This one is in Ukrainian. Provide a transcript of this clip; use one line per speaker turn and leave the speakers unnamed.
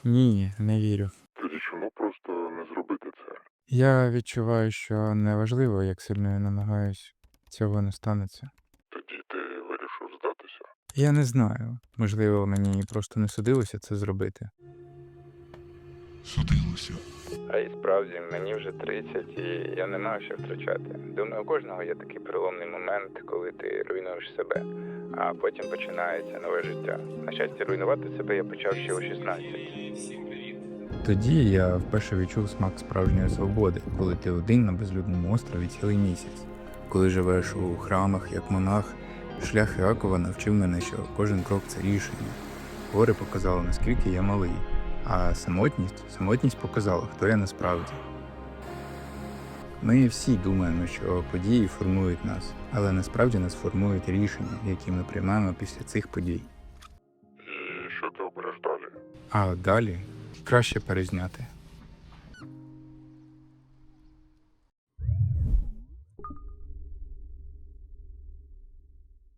Ні, не вірю.
Тоді чому просто не зробити це?
Я відчуваю, що неважливо, як сильно я намагаюсь, цього не станеться.
Тоді ти вирішив здатися?
Я не знаю. Можливо, мені просто не судилося це зробити.
Судилося.
А і справді, мені вже 30, і я не маю що втрачати. Думаю, у кожного є такий переломний момент, коли ти руйнуєш себе, а потім починається нове життя. На щастя, руйнувати себе я почав ще у 16. Тоді я вперше відчув смак справжньої свободи, коли ти один на безлюдному острові цілий місяць. Коли живеш у храмах як монах, шлях Іакова навчив мене, що кожен крок це рішення. Гори показали, наскільки я малий, а самотність показала, хто я насправді. Ми всі думаємо, що події формують нас, але насправді нас формують рішення, які ми приймаємо після цих подій.
І що ти обереш далі?
А далі краще перезняти.